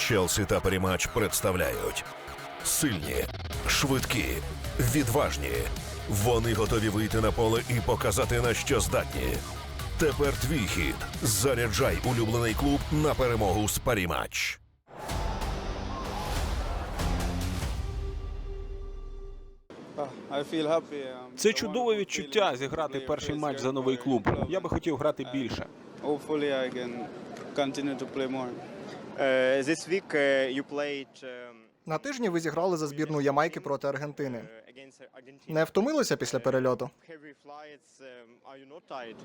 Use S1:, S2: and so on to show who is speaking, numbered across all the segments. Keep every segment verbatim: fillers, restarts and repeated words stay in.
S1: Челсі та Паріматч представляють сильні, швидкі, відважні. Вони готові вийти на поле і показати, на що здатні. Тепер твій хід. Заряджай улюблений клуб на перемогу з Паріматч.
S2: Це чудове відчуття зіграти перший матч за новий клуб. Я би хотів грати більше.
S3: This week you played
S4: На тижні ви зіграли за збірну Ямайки проти Аргентини. Не втомилися після перельоту?
S3: heavy flights. Are you not tired?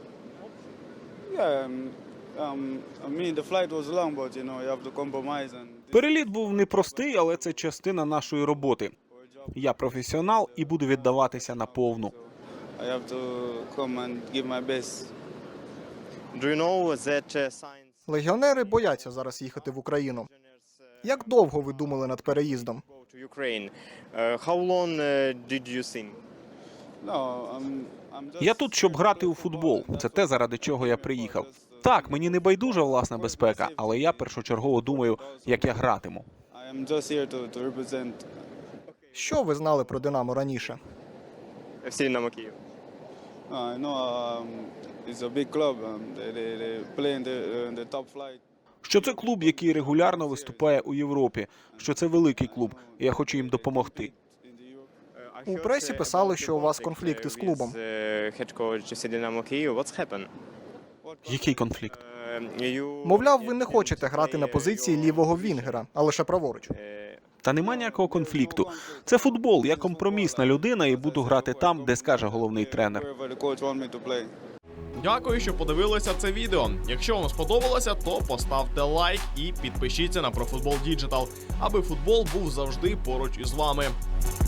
S2: Переліт був непростий, але це частина нашої роботи. Я професіонал і буду віддаватися наповну.
S3: Do you know that uh, science
S4: Легіонери бояться зараз їхати в Україну. Як довго ви думали над переїздом?
S3: go to Ukraine? Uh, how long uh, did you think?
S2: Я тут, щоб грати у футбол. Це те, заради чого я приїхав. Так, мені не байдужа власна безпека, але я першочергово думаю, як я гратиму.
S4: Що ви знали про Динамо раніше?
S3: еф сі Динамо Київ.
S2: Що це клуб, який регулярно виступає у Європі, що це великий клуб, і я хочу їм допомогти.
S4: У пресі писали, що у вас конфлікти з клубом.
S3: Head coach еф сі Динамо Київ. What's happened?
S2: Який конфлікт?
S4: Мовляв, ви не хочете грати на позиції лівого вінгера, а лише праворуч.
S2: Та нема ніякого конфлікту. Це футбол, я компромісна людина і буду грати там, де скаже головний тренер.
S5: Дякую, що подивилися це відео. Якщо вам сподобалося, то поставте лайк і підпишіться на ProFootball Digital, аби футбол був завжди поруч із вами.